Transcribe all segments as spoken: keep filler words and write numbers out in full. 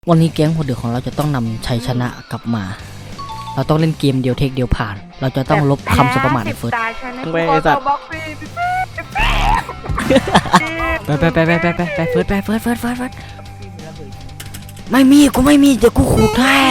วันนี้แก๊งหัวเดือดของเราจะต้องนำชัยชนะกลับมา เราต้องเล่นเกมเดียวเทคเดียวผ่าน เราจะต้องลบคำสบประมาทในเฟิร์สไปสัตว์ไปไปไปไปไปไปไปเฟิร์สไปเฟิร์สเฟิร์สเฟิร์สเฟิร์สไม่มีกูไม่มีเดี๋ยวกูขู่แท้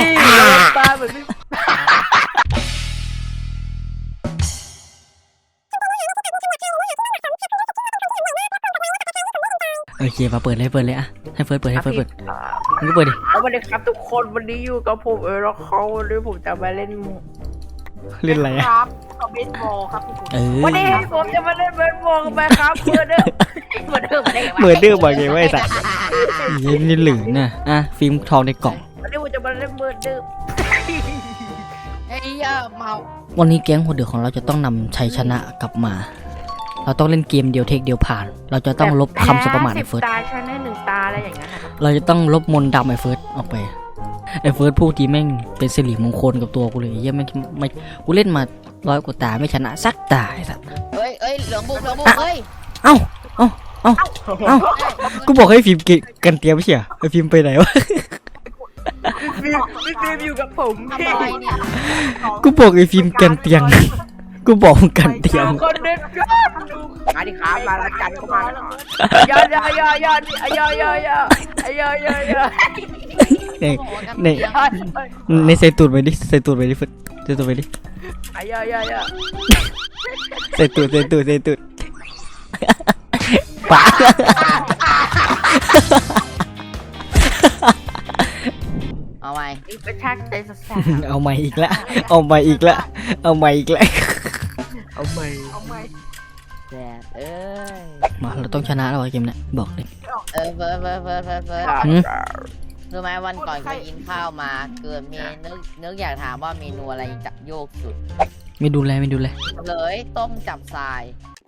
โอเคมาเปิดเลยเปิดเลยอะให้เฟิร์สเปิดให้เฟิร์สเปิดมึงก็เปิดดิสวัสดีครับทุกคนวันนี้อยู่กับผมเออแล้วเขาวันนี้ผมจะมาเล่นเล่นอะไรอะครับกับเบสบอลครับทุกคนวันนี้ผมจะมาเล่นเบสบอลกันไปครับเมื่อเดิมเมื่อเดิมเมื่อเดิมบอกไงว่าไอ้สัตว์ยันนี่หลือน่ะอ่ะฟิล์มทองในกล่องวันนี้ผมจะมาเล่นเมื่อเดิมไอ้ยาเมาวันนี้แก๊งหัวเดือดของเราจะต้องนำชัยชนะกลับมาเราต้องเล่นเกมเดียวเทคเดียวผ่านเราจะต้องลบคำสบประมาทในเฟิร์สตาชนะหนึ่งตาอะไรอย่างเงี้ยเราจะต้องลบมนต์ดำไอ้เฟิร์สออกไปไอ้เฟิร์สพูดทีแม่งเป็นสิริมงคลกับตัวกูเลยยังไม่ไม่กูเล่นมาร้อยกว่าตาไม่ชนะสักตาไอ้สัสเอ้ยเอ้ยเหลืองบุกเหลืองบุกเอ้ยเอ้าเอ้าเอ้าเอ้ากูบอกให้ฟิล์มกันเตรียมไม่ใช่เหรอไอ้ฟิล์มไปไหนวะฟิล์มฟิล์มอยู่กับผมกูบอกไอ้ฟิล์มกันเตียงกูบอกกันเตียงคนเด็ดยอดมาดิครับมาละกันเข้ามาย่อย่อย่อย่อย่อย่อย่อย่อย่อย่อในในในใส่ตูดไปดิใส่ตูดไปดิฟึดใส่ตูดไปดิย่อย่อย่อใส่ตูดใส่ตูดใส่ตูดป๋าเอาใหม่กระชักใจสัสเอาใหม่อีกแล้วเอาใหม่อีกแล้วเอาใหม่อีกแล้วเอาใหม่เอาใหม่แดดเอ้ยมาเราต้องชนะแล้วเกมนี้บอกเลยเออเฟิร์สเฟิร์สเฟิร์สเฟิร์สเฟิร์สรู้ไหมวันก่อนเคยกินข้าวมาเกิดมีนึกนึกอยากถามว่าเมนูอะไรจับโยกสุดไม่ดูแลไม่ดูแลเลยต้มจับทราย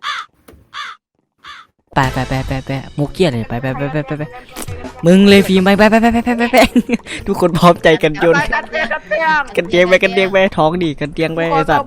ไปไปไปไปไปมุกเกียร์เลยไปไปไปไปไปไปมึงเลยฟิล์มไปไปไปไปไปไปไปทุกคนพร้อมใจกันจนกันเตียงไปกันเตียงไปท้องดิกันเตียงไปไอ้สัตว์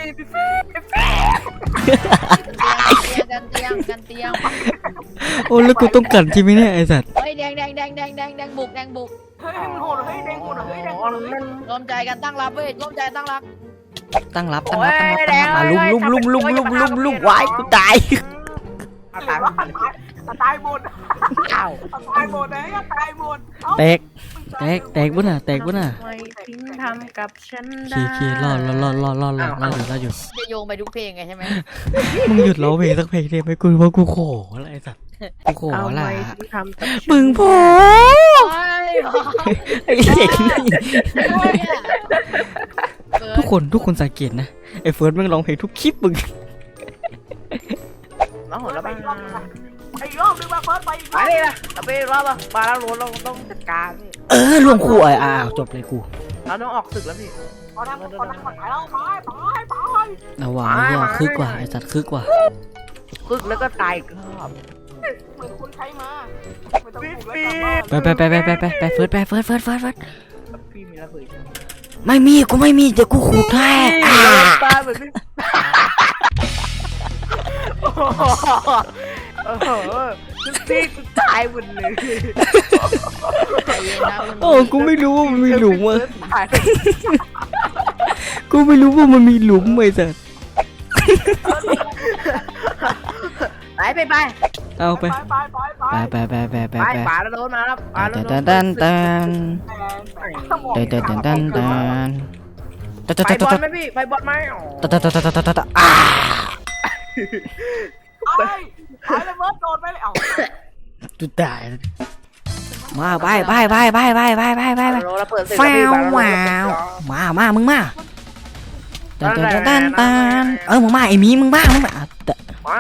กันเตียงกันเตียงโอ้แล้วกูต้องกันที่ไหมเนี่ยไอ้สัตว์เฮ้ยแดงแดงแดงแดงแดงแดงบุกแดงบุกเฮ้ยมันโหดเฮ้ยแดงโหดเฮ้ยแดงร่วมใจกันตั้งรับเว้ยร่วมใจตั้งรับตั้งรับตั้งรับตั้งรับตั้งรับมาลุ่มลุ่มลุ่มลุ่มลุ่มลุ่มลุ่มวายกูตายตายตายหมดอ้าวตายหมดเลยตายหมดแตกแตกแตกบุ้นอ่ะแตกบุ้นอ่ะไม่ทิ้งทำกับฉันได้เคเครอดรอดรอดรอดรอดรอดรอดอยู่รอดอยู่จะโยงไปทุกเพลงไงใช่ไหมมึงหยุดร้องเพลงสักเพลงได้ไหมกูว่ากูขออะไรสัตว์กูขออะไรมึงพอไอ้เด็กนี่ทุกคนทุกคนสังเกตนะไอ้เฟิร์สมึงร้องเพลงทุกคลิปมึงมาหัวแล้วไปไอ้รอบนึงมาเฟิร์สไปไปเลยนะเราไปรอบมามาแล้วเราต้องจัดการเออรวมคู่อ้าวจบเลยกูเราต้องออกศึกแล้วพี่พอทำพอทำก่อนไปแล้วไปไปไปเอาวะเนี่ยคึกกว่าไอ้สัตว์คึกกว่าคึกแล้วก็ตายก็เหมือนคุณใช้มาไปไปไปไปไปไปไปเฟิร์สไปเฟิร์สเฟิร์สเฟิร์สเฟิร์สพี่มีระเบิดไม่มีกูไม่มีเดี๋ยวกูขู่แท้ตาเหมือนโอ้โหพี่กูตายหมดเลยโอ้กูไม่รู้ว่ามันมีหลุมอ่ะกูไม่รู้ว่ามันมีหลุมไอ้สัสไปไปไปเอาไปไปไปไปไปไปไปป่าแล้วโดนมาแล้วป่าแล้วโดนตันตันตันตันตันตันตันตันไปบอลไหมพี่ไปบอลไหมตันตันตันตันตันตันอ่าไปไปเลยเบิร์ดโดนไปเลยเอาจุดตายมาไปไปไปไปไปไปไปไปไปแฟวว้าวมามามึงมาตันตันตันตันเออมึงมาไอ้มีมึงมามึงมาไม่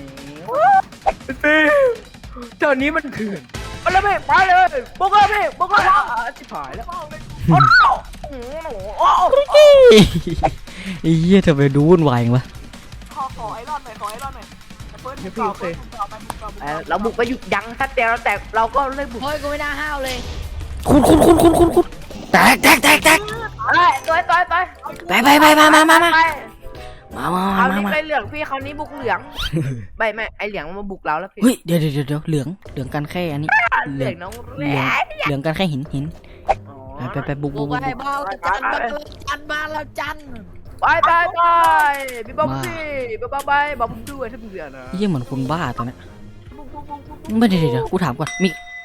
เจ้านี้มันเถื่อนไปเลยพี่ไปเลยบุกเลยพี่บุกเลยชิบหายแล้วโอ้โหไอ้เหี้ยทำไมดูวุ่นวายจังวะขอขอไอรอนหน่อยขอไอรอนหน่อยพี่โอเคเราบุกไปหยุดยั้งถ้าแต่เราแต่เราก็เลยบุกเฮ้ยกูไม่น่าห้าวเลยคุณคุณคุณคุณคุณคุณแตกแตกแตกแตกเฮ้ยต่อยต่อยต่อยไปไปไปมามามามามามามาคราวมานี้มาไปเหลืองพี่คราวนี้บุกเหลืองไม่ไม่ไอเหลืองมาบุกเราแล้วพี่เฮ้ยเดี๋ยวเดี๋ยวเดี๋ยวเหลืองเหลืองกันแค่อันนี้เหลืองน้องเหลืองเหลืองกันแค่หินหินไปไปบุกบุบุกกไปบุกบ้าจันบ้าจันบ้านแล้วจันไปไปไปพี่บ๊อบบี้บ๊อบบี้บ๊อบบี้ด้วยถ้ามึงเดือดนะยี่เหมือนคนบ้าตอนนี้ไม่เดี๋ยวเดี๋ยวกูถามก่อนมี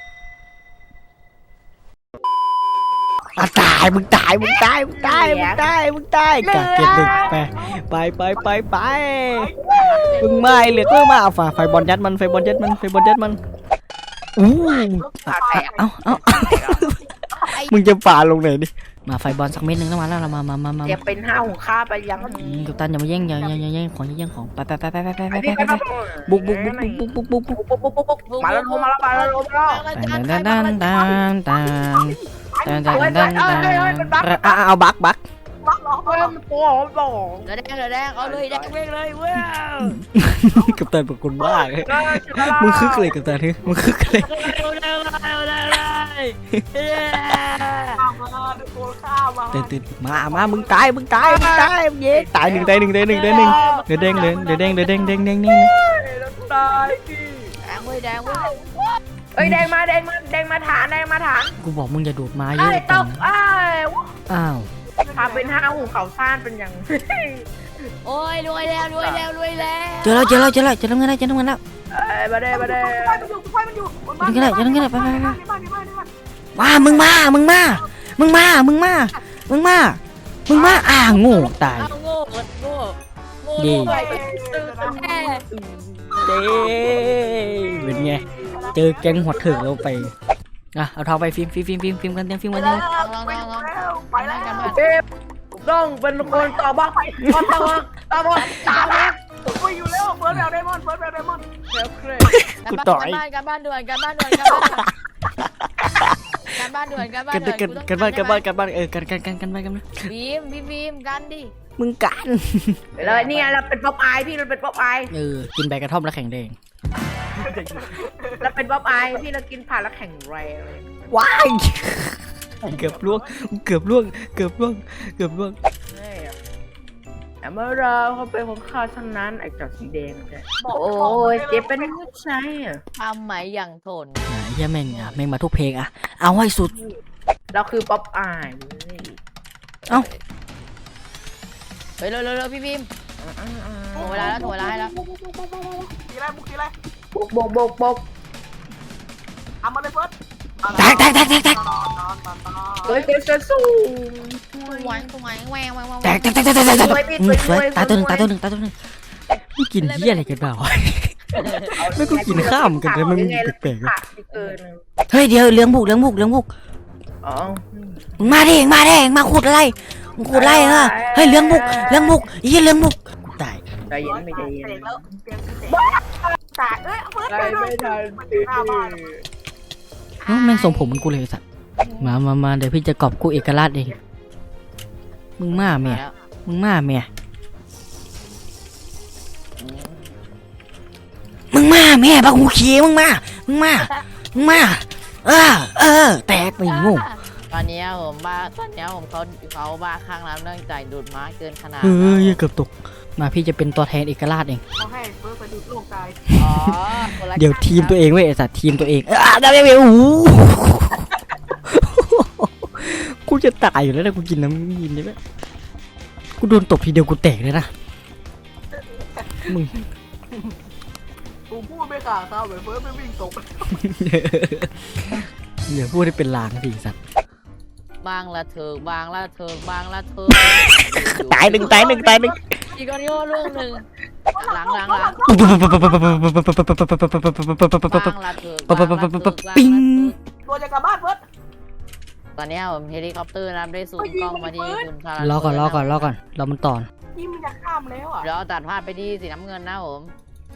อ่ะตายมึงตายมึงตายมึงตายมึงตายมึงตายกัดเก็บหนึ่งไปไปไปไปไปมึงไม่เหลือก็มาเอาฝ่าไฟบอลยัดมันไฟบอลยัดมันไฟบอลยัดมันอู้เอ้าเอ้ามึงจะฝ่าลงไหนดิมาไฟบอลสักเม็ดหนึ่งแล้วมาแล้วมามามามาอย่าเป็นห้าของข้าไปยังกัปตันอย่ามาแย่งอย่าอย่าอย่าแย่งของอย่าแย่งของไปไปไปไปไปไปไปไปบุกบุกบุกบุกบุกบุกบุกปุ๊บปุ๊บปุ๊บปุ๊บมาแล้วลงมาแล้วมาแล้วลงมาแล้วตันตันตันตันตันตันตันตันตันเอาบักบักเฮ้ยมันโป่งโป่งเหลือแดงเหลือแดงเอาเลยแดงเว้งเลยเว้ยกัปตันเป็นคนบ้าเลยมึงคึกเลยกัปตันมึงคึกเลยเอาเลยเอาเลยเอาเลยตื่นตื่นมามามึงตายมึงตายมึงตายเย้ตายหนึ่งตายหนึ่งตายหนึ่งตายหนึ่งเดือดแดงเลยเดือดแดงเดือดแดงแดงแดงแดงตายพี่แดงเว้ยแดงเว้ยเอ้ยแดงมาแดงมาแดงมาฐานแดงมาฐานกูบอกมึงอย่าโดดมาเยไอ้อะตจังกไอ้อ้าวทำเป็นห้าหูเขาซ่านเป็นยังโอ้ยรวยแล้วรวยแล้วรวยแล้วเจอแล้วเจอแล้วเจอแล้วเจอแล้วเงินแล้วเจอแล้วเงินแล้วเอ้ยมาเด้มาเด้ยังไงยังไงไปไปไปว้ามึงมามึงมามึงมามึงมามึงมามึงมาอ่าโง่ตายเอาโง่โง่โง่ดีตื่นแน่เด้เป็นไงเจอแก๊งหัวถึงแล้วไปอ่ะเอาทองไปฟิล์มฟิล์มฟิล์มฟิล์มฟิล์มกันเต็มฟิล์มกันเต็มลองลองลองลองไปแล้วกันมาเป๊ปต้องเป็นคนต่อบ้างต่อต่อต่อบ้างต่อบ้างไปอยู่แล้วเฟิร์สแบบไดมอนด์เฟิร์สแบบไดมอนด์เฮ้ยเครกูต่อยการบ้านด่วนการบ้านด่วนการบ้านด่วนการบ้านด่วนการบ้านกันด่วนกันกันบ้านกันบ้านกันบ้านเออกันกันกันกันบ้านกันบีมพี่บีมกันดิมึงกันแล้วนี่เราเป็นป๊อปอายพี่เราเป็นป๊อปอายเออกินใบกระท่อมแล้วแข็งแดงเราเป็นป๊อปอายพี่เรากินผ่านแล้วแข็งแรงว้ายเกือบล่วงเกือบล่วงเกือบล่วงเกือบล่วงแต่เมื่อเราเขาเป็นของข้าทั้งนั้นไอ้จอดสีแดงโอ้ยเจ็บเป็นผู้ชายอ่ะทำไหมอย่างทนอ่ะเหี้ยแม่งอ่ะแม่งมาทุกเพลงอ่ะเอาให้สุดเราคือป๊อปอายเอ้าเฮ้ยเร็วเร็วเร็วพี่บีมถ่วงเวลาแล้วถ่วงเวลาให้แล้วกี่ไรมุกกี่ไรบกบกบกบกทำมาเลยเฟิร์สแตกแตกแตกแตกแตกนอนนอนนอนนอนเฮ้ยเกิดสูงหวานหวานแหวงแหวงแหวงแตกแตกแตกแตกแตกแตกอืมสวยตายตัวหนึ่งตายตัวหนึ่งตายตัวหนึ่งมึงกินเหี้ยอะไรกันเปล่าไม่กูกินข้ามกันเลยมันแปลกขาดเกินๆเฮ้ยเดี๋ยวเลี้ยงบุกเลี้ยงบุกเลี้ยงบุกอ๋อมึงมาดิมึงมาดิมึงมาขุดอะไรมึงขุดอะไรเหรอเฮ้ยเลี้ยงบุกเลี้ยงบุกเหี้ยเลี้ยงบุกกูตายใจเย็นไม่ใจเย็นเตะแล้วเตะเตะแตกเอ้ยเฟิร์สใจไปด้วไม่ยทันหน้าบ้านเอ้าแม่งทรงผมเหมันกูเลยไอ้สัตว์มามามาเดี๋ยวพี่จะกอบกูเอกราชเองมึงมาเมียมึงมาเมียมึงมาแม่บักหูเขียวมึงมามึงมามึงมาเออเออแตกไปงูตอนนี้ผมบ้าตอนนี้ผมเขาเขาบ้าข้างน้ำเนื่องจากดูดม้าเกินขนาดเฮ้ยเกือบตกมาพี่จะเป็นตัวแทนเอกราชเองเขาให้เฟิร์สไปดูโลกตายอ๋อคนละเดี๋ยวทีมตัวเองเว้ยไอ้สัตว์ทีมตัวเองอ่ะได้ไหมโอ้โหกูจะตายอยู่แล้วนะกูกินน้ำยินได้ไหมกูโดนตบทีเดียวกูแตกเลยนะมึงกูพูดไม่ขาดคำเหมือนเฟิร์สไม่วิ่งตกอย่าพูดให้เป็นลางสิสัตว์บางละเถิกบางละเถิกบางละเถิกตายหนึ่งตายหนึ่งตายหนึ่งอีกคนนี้ลูกหนึ่งหลังหลังหลังบางละเถิกบางละเถิกปิ้งตัวจะกลับบ้านเฟิร์สตอนนี้ผมเฮลิคอปเตอร์นะครับได้ซูมกล้องมาที่คุณทารารอก่อนรอก่อนรอก่อนรอมันต่อนี่มันจะข้ามแล้วอ่ะเดี๋ยวตัดภาพไปที่สีน้ำเงินนะผม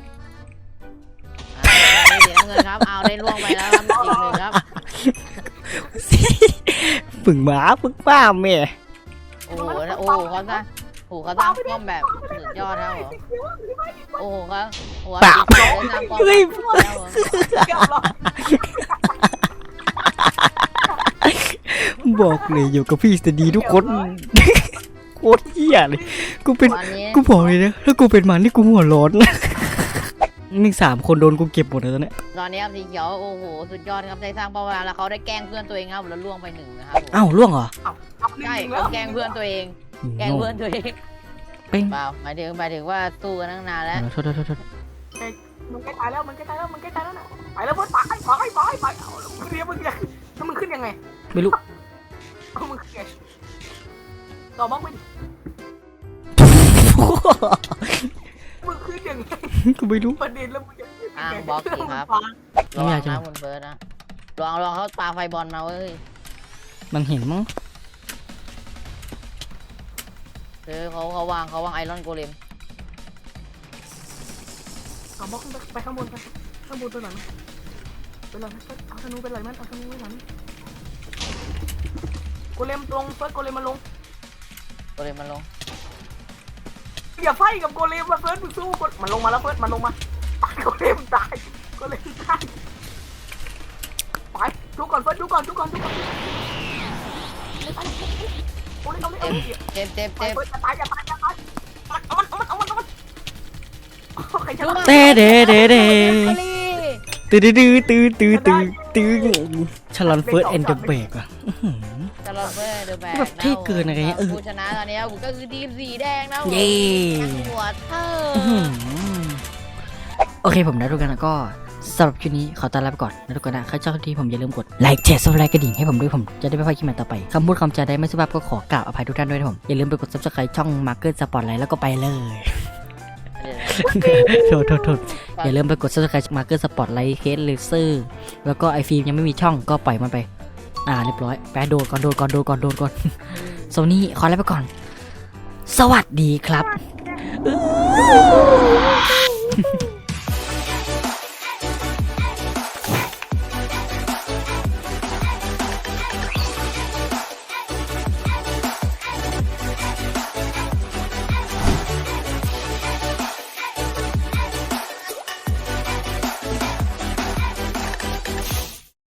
สีน้ำเงินครับเอาได้ล่วงไปแล้วครับอีกหนึ่งครับฝึ่งหมาฝึ่งป้าแม่โอ้โหโอ้โหเขาสร้างโอ้โหเขาสร้างป้อมแบบสุดยอดครับผมโอ้โหเขาหัวได้สร้างป้อมแบบสุดยอดครับผมเกือบหรอบอกเลยอยู่กับพี่จะดีทุกคนโคตรเหี้ยเลยกูเป็นตอนนี้กูบอกเลยนะถ้ากูเป็นมันนี่กูหัวร้อนนะมึงสามคนโดนกูเก็บหมดเลยตอนเนี้ยตอนนี้ครับสีเขียวโอ้โหสุดยอดครับได้สร้างเป้าหมายแล้วเขาได้แกล้งเพื่อนตัวเองครับแล้วล่วงไปหนึ่งนะครับผมอ้าวล่วงเหรอใช่เขาแกล้งเพื่อนตัวเองแกล้งเพื่อนตัวเองเป้งเปล่าหมายถึงหมายถึงว่าสู้กันตั้งนานแล้วโทษโทษโทษโทษมันใกล้ตายแล้วมันใกล้ตายแล้วมันใกล้ตายแล้วนะไปแล้วเพื่อนไปไปไปไปเอาเรียบมึงยังแล้วมึงขึ้นยังไงไม่รู้เอามึงขึ้นไงต่อบ้างไม่มึงขึ้นยังไงกูไม่รู้ประเด็นแล้วมึงจะขึ้นอ้ายังงไงบล็อกสิครับไม่ระอวัยาง กจะนะคุณเฟิร์สนะลองลองเขาปาไฟบอลมาเว้ยมันเห็นมั้งเออเขาเขาวางเขาวางไอรอนโกเลมเอาบล็อกขึ้นไปไปข้างบนไปข้างบนตัวไหนมั้ยเป็นไรมั้ยเอาธนูเป็นไรมั้ยเอาธนูเป็นไรมั้ยโกเลมลงเฟิร์สโกเลมมาลงโกเลมมันลงอย่าไฟกับโกเลมมาเฟิร์สมึงสู้มันลงมาแล้วเฟิร์สมันลงมาตายโกเลมตายโกเลมตายไปดูก่อนเฟิร์สดูก่อนดูก่อนดูก่อนโกเลมเอาเลยเอาเลยเจ็บเจ็บไปเจ็บเฟิร์สอย่าตายอย่าตายอย่าตายเอามันเอามันเอามันเอามันใครชนะเต้เด้เด้เด้อาลีตื้อตื้อตื้อตื้อตื้อตื้อชลอนเฟิร์สเอ็นเดอร์เบรกอ่ะตลอดเว้ยเดอะแบกแบบเท่เกินอะไรเงี้ยเออผู้ชนะตอนนี้ก็คือทีมสีแดงนะเย้หัวเธออื้อหือโอเคผมนะทุกคนนะก็สำหรับคลิปนี้ขอต้อนรับไปก่อนนะทุกคนนะใครชอบคลิปนี้ผมอย่าลืมกดไลค์แชร์ซับสไครต์กระดิ่งให้ผมด้วยผมจะได้ไม่พลาดคลิปใหม่ต่อไปคำพูดคำจาใดไม่สุภาพก็ขอกราบอภัยทุกท่านด้วยนะผมอย่าลืมไปกดซับสไครต์ช่องมาร์เก็ตสปอร์ตไลท์แล้วก็ไปเลย โทษโทษโทษอย่าลืมไปกด subscribe มาร์เก็ตสปอร์ตไลท์เคสเลเซอร์แล้วก็ไอฟิล์มยังไม่มีช่องก็ปล่อยมันไปอ่าเรียบร้อยแปะโดนก่อนโดนก่อนโดนก่อนโดนก่อนโซนี่ขอแล้วไปก่อน สวัสดีครับ